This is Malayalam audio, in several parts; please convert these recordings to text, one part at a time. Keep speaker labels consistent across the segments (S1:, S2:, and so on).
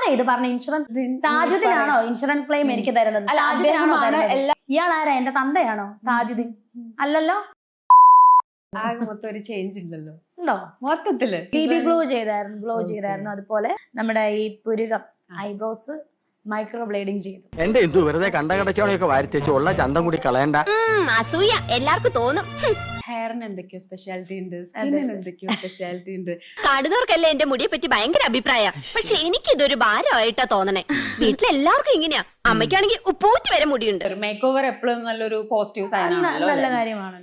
S1: ആരാ ഇത് പറഞ്ഞ ഇൻഷുറൻസ്? താജുദ്ദീനാണോ ഇൻഷുറൻസ് ക്ലെയിം എനിക്ക് തരുന്നത്? ഇയാൾ ആരാ? എന്റെ തന്തയാണോ താജുദ്ദീൻ? അല്ലല്ലോ.
S2: ആകെ മൊത്തം ഒരു ചേഞ്ച് ഉണ്ടല്ലോ
S1: ഉണ്ടോ?
S2: മൊത്തത്തില്
S1: ബേബി ഗ്ലോ ചെയ്തായിരുന്നു. അതുപോലെ നമ്മുടെ ഈ പുരുകം ഐബ്രോസ് മൈക്രോ ബ്ലേഡിങ് ചെയ്തു.
S3: എന്റെ എന്തു വെറുതെ കണ്ടകടച്ചവണയൊക്കെ വാരിത്തേച്ച് ഉള്ള ചന്തം കൂടി കളയണ്ട.
S4: അസൂയ എല്ലാവർക്കും തോന്നും.
S2: ഹെയറിന് എന്തൊക്കെയോ സ്പെഷ്യാലിറ്റി ഉണ്ട്, സ്കിന്നിന് എന്തൊക്കെയോ സ്പെഷ്യാലിറ്റി ഉണ്ട്.
S4: കാണുന്നവർക്കല്ലേ എന്റെ മുടിയെ പറ്റി ഭയങ്കര അഭിപ്രായ. പക്ഷെ എനിക്ക് ഇതൊരു ഭാരമായിട്ടാ തോന്നണേ. വീട്ടിലെല്ലാവർക്കും ഇങ്ങനെയാ. അമ്മയ്ക്കാണെങ്കിൽ ഉപ്പൂറ്റി വരെ മുടിയുണ്ട്.
S2: മേക്ക് ഓവർ എപ്പോഴും നല്ലൊരു പോസിറ്റീവ് സൈൻ ആണല്ലോ.
S1: നല്ല കാര്യമാണ്.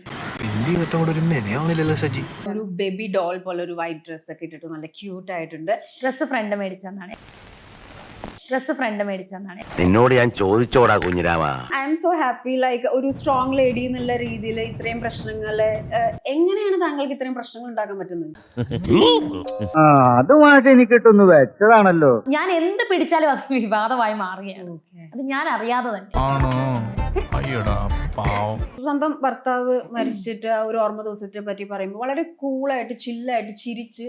S2: ഒരു ബേബി ഡോൾ പോലെ ഒരു വൈറ്റ് ഡ്രസ് ഒക്കെ ഇട്ടിട്ട് നല്ല ക്യൂട്ട് ആയിട്ടുണ്ട്.
S1: ഡ്രസ് ഫ്രണ്ട് മേടിച്ചെന്നാണ്.
S3: നിന്നോട് ഞാൻ ചോദിച്ചോടാ കുഞ്ഞിരാമ.
S2: I am so happy. Like ഒരു സ്ട്രോങ് ലേഡി എന്നുള്ള രീതിയിൽ ഇത്രയും പ്രശ്നങ്ങള് എങ്ങനെയാണ് താങ്കൾക്ക് ഇത്രയും പ്രശ്നങ്ങൾ ഉണ്ടാക്കാൻ പറ്റുന്നത്?
S5: അതുമായിട്ട് എനിക്ക് കിട്ടുന്നു വെച്ചതാണല്ലോ.
S1: ഞാൻ എന്ത് പിടിച്ചാലും അത് വിവാദമായി മാറുകയാണ്. അത് ഞാൻ അറിയാതെ തന്നെ.
S2: സ്വന്തം ഭർത്താവ് മരിച്ചിട്ട് ആ ഒരു ഓർമ്മ ദിവസത്തെ പറ്റി പറയുമ്പോൾ വളരെ കൂളായിട്ട് ചില്ലായിട്ട് ചിരിച്ച്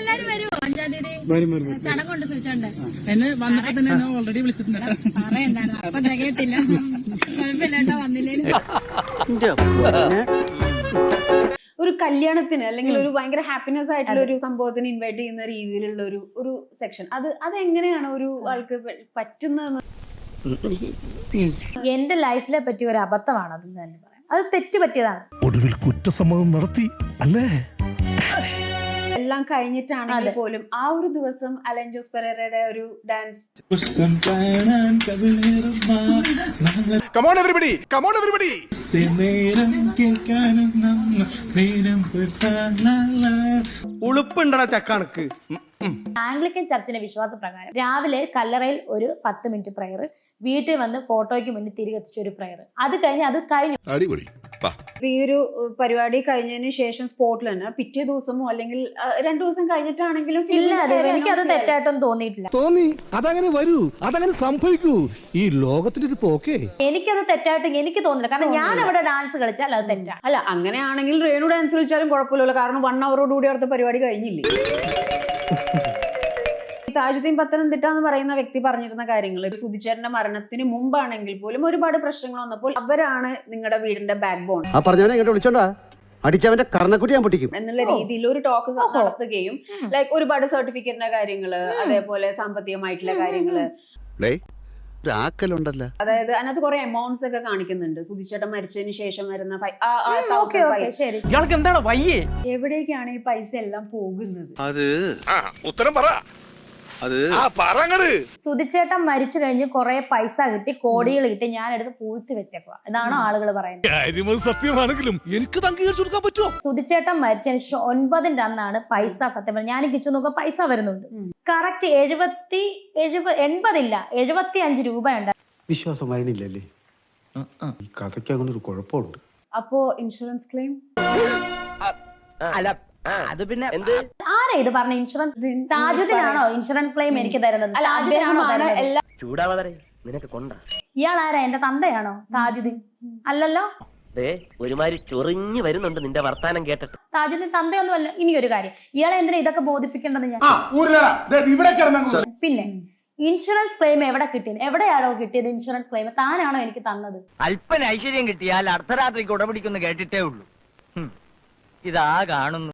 S6: എന്നെ വന്നപ്പോ തന്നെ ഓൾറെഡി വിളിച്ചിട്ടുണ്ട്.
S2: ഒരു കല്യാണത്തിന് അല്ലെങ്കിൽ ഒരു ഭയങ്കര ഹാപ്പിനെസ് ആയിട്ടുള്ള ഒരു സംഭവത്തിന് ഇൻവൈറ്റ് ചെയ്യുന്ന രീതിയിലുള്ള ഒരു സെക്ഷൻ അതെങ്ങനെയാണ് ഒരു ആൾക്ക് പറ്റുന്നതെന്ന്?
S1: എന്റെ ലൈഫിലെ പറ്റിയ ഒരു അബദ്ധമാണ് അതെന്ന് തന്നെ പറയാം. അത് തെറ്റ് പറ്റിയതാണ്.
S7: ഒടുവിൽ കുറ്റസമ്മതം നടത്തി അല്ലേ?
S2: എല്ലാം കഴിഞ്ഞിട്ടാണെങ്കിൽ പോലും ആ ഒരു ദിവസം അലൻ ജോസ് പെരേരയുടെ ഒരു ഡാൻസ്
S3: ഉളുപ്പുണ്ടടാ ചക്കാണക്ക്.
S1: ആംഗ്ലിക്കൻ ചർച്ചിന്റെ വിശ്വാസപ്രകാരം രാവിലെ കല്ലറയിൽ ഒരു 10 മിനിറ്റ് പ്രയർ, വീട്ടിൽ വന്ന് ഫോട്ടോയ്ക്ക് മുന്നിൽ തിരികെത്തിച്ച ഒരു പ്രയർ, അത് കഴിഞ്ഞു.
S2: ഈ ഒരു പരിപാടി കഴിഞ്ഞതിന് ശേഷം സ്പോട്ടിൽ തന്നെ പിറ്റേ ദിവസമോ അല്ലെങ്കിൽ 2 ദിവസം കഴിഞ്ഞിട്ടാണെങ്കിലും
S1: ഇല്ല, എനിക്കത് തെറ്റായിട്ടൊന്നും തോന്നിയിട്ടില്ല.
S7: തോന്നി അതങ്ങനെ വരൂ, അതങ്ങനെ സംഭവിക്കൂ. ഈ ലോകത്തിന്റെ ഒരു പോക്കേ.
S1: എനിക്കത് തെറ്റായിട്ട് എനിക്ക് തോന്നില്ല. കാരണം ഞാൻ അവിടെ ഡാൻസ് കളിച്ചാൽ അത് തെറ്റാ.
S2: അല്ല, അങ്ങനെയാണെങ്കിൽ രേണു ഡാൻസ് കളിച്ചാലും കുഴപ്പമില്ലല്ലോ. കാരണം 1 ഹവറോടുകൂടി അവിടുത്തെ പരിപാടി കഴിഞ്ഞില്ലേ. താജുദ്ദീൻ പത്തനംതിട്ട എന്ന് പറയുന്ന വ്യക്തി പറഞ്ഞിരുന്ന കാര്യങ്ങൾ സുധിച്ചേട്ടന്റെ മരണത്തിന് മുമ്പാണെങ്കിൽ പോലും ഒരുപാട് പ്രശ്നങ്ങൾ വന്നപ്പോൾ അവരാണ് നിങ്ങളുടെ വീടിന്റെ ബാക്ക് ബോൺ
S5: അടിച്ചവന്റെ കർണക്കുട്ടി ഞാൻ പൊട്ടിക്കും
S2: എന്നുള്ള രീതിയിൽ ഒരു ടോക്ക് നടത്തുകയും ലൈക്ക് ഒരുപാട് സർട്ടിഫിക്കറ്റിന്റെ കാര്യങ്ങള്, അതേപോലെ സാമ്പത്തികമായിട്ടുള്ള കാര്യങ്ങള്, അതായത് അതിനകത്ത് കുറെ എമൗണ്ട്സ് ഒക്കെ കാണിക്കുന്നുണ്ട്. സുധിച്ചേട്ടൻ മരിച്ചതിന് ശേഷം വരുന്ന എവിടേക്കാണ് ഈ പൈസ എല്ലാം പോകുന്നത്?
S3: ഉത്തരം പറ.
S1: സുധിച്ചേട്ടൻ മരിച്ചു കഴിഞ്ഞ് കുറെ പൈസ കിട്ടി, കോടികൾ കിട്ടി, ഞാൻ എടുത്ത് പൂഴ്ത്തി വെച്ചേക്കുക എന്നാണോ ആളുകൾ പറയുന്നത്?
S7: സത്യമാണെങ്കിലും എനിക്ക് അംഗീകരിച്ചു കൊടുക്കാൻ പറ്റുമോ?
S1: സുധിച്ചേട്ടൻ മരിച്ചതിന് ശേഷം 9-ന്റെ അന്നാണ് പൈസ സത്യം പറഞ്ഞത്. ഞാൻ കിച്ചു നോക്കുക പൈസ വരുന്നുണ്ട്. കറക്റ്റ് 75 രൂപയുണ്ട്.
S8: വിശ്വാസം വരണില്ലല്ലേ? ഈ കഥയ്ക്ക് അങ്ങനെ ഒരു കുഴപ്പമുണ്ട്.
S2: അപ്പോ ഇൻഷുറൻസ് ക്ലെയിം
S3: അത് പിന്നെ
S1: ആരാ ഇത് പറഞ്ഞ ഇൻഷുറൻസ്? താജുദ്ദീനാണോ ഇൻഷുറൻസ് ക്ലെയിം എനിക്ക് തരുന്നത്?
S3: നിനക്ക് കൊണ്ട
S1: ഇയാൾ ആരാ? എന്റെ തന്തയാണോ താജുദ്ദീൻ? അല്ലല്ലോ.
S3: ഒരുമാതിരി ചൊറിഞ്ഞു വരുന്നുണ്ട് നിന്റെ വർത്താനം കേട്ടിട്ട്.
S1: താജുദ്ദീൻ തന്തയൊന്നും അല്ല. ഇനി ഒരു കാര്യം, ഇയാളെ എന്തിനാ ഇതൊക്കെ ബോധിപ്പിക്കേണ്ടത് ഞാൻ? പിന്നെ ഇൻഷുറൻസ് ക്ലെയിം എവിടെ കിട്ടിയത്? എവിടെയാണോ കിട്ടിയത് ഇൻഷുറൻസ് ക്ലെയിം? താനാണോ എനിക്ക് തന്നത്?
S9: അല്പന ഐശ്വര്യം കിട്ടിയാൽ അർദ്ധരാത്രിക്ക് ഉടപിടിക്കുന്നു കേട്ടിട്ടേ ഉള്ളൂ. ഇതാ കാണുന്നു.